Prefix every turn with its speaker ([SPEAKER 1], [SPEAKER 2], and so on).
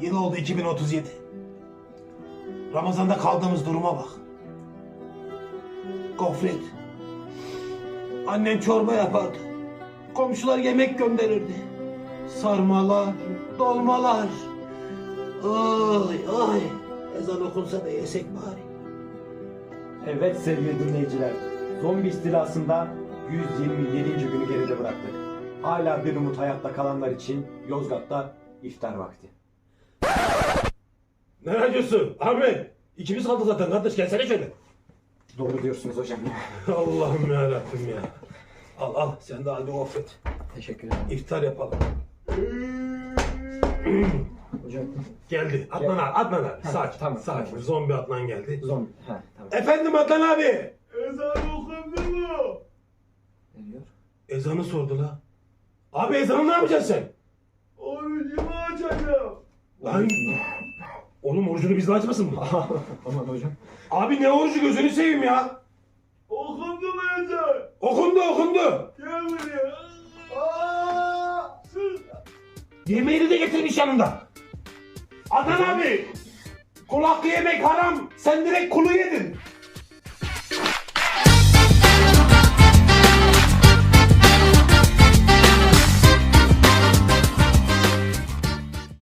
[SPEAKER 1] Yıl oldu 2037. Ramazan'da kaldığımız duruma bak. Gofret. Annem çorba yapardı. Komşular yemek gönderirdi. Sarmalar, dolmalar. Ay ay. Ezan okunsa da yesek bari.
[SPEAKER 2] Evet sevgili dinleyiciler, zombi istilasında 127. günü geride bıraktık. Hala bir umut hayatta kalanlar için Yozgat'ta iftar vakti.
[SPEAKER 1] Ne diyorsun Ahmet? İkimiz kaldı zaten kardeş, gelsene şöyle.
[SPEAKER 2] Doğru diyorsunuz hocam.
[SPEAKER 1] Allah'ım yarabbim ya. Al al, sen de hadi gofret.
[SPEAKER 2] Teşekkür ederim.
[SPEAKER 1] İftar yapalım.
[SPEAKER 2] Hocam.
[SPEAKER 1] Geldi. Adnan abi, Adnan abi. Sakin,
[SPEAKER 2] tamam,
[SPEAKER 1] sakin.
[SPEAKER 2] tamam.
[SPEAKER 1] Zombi Adnan geldi.
[SPEAKER 2] Zombi. Ha, tamam.
[SPEAKER 1] Efendim Adnan abi.
[SPEAKER 3] Ezan okundu mu?
[SPEAKER 2] Ne diyor?
[SPEAKER 1] Ezanı sordu la. Abi ezanı ne yapacaksın sen?
[SPEAKER 3] Orucumu açacağım.
[SPEAKER 1] Lan. Oğlum orucunu bizle açmasın mı?
[SPEAKER 2] Aman hocam.
[SPEAKER 1] Abi ne orucu, gözünü seveyim ya.
[SPEAKER 3] Okundu mu ezan?
[SPEAKER 1] Okundu okundu.
[SPEAKER 3] Gel buraya. Aa! Sus!
[SPEAKER 1] Yemeğini de getirmiş yanında. Adnan abi. Kul hakkı yemek haram. Sen direkt kulu yedin.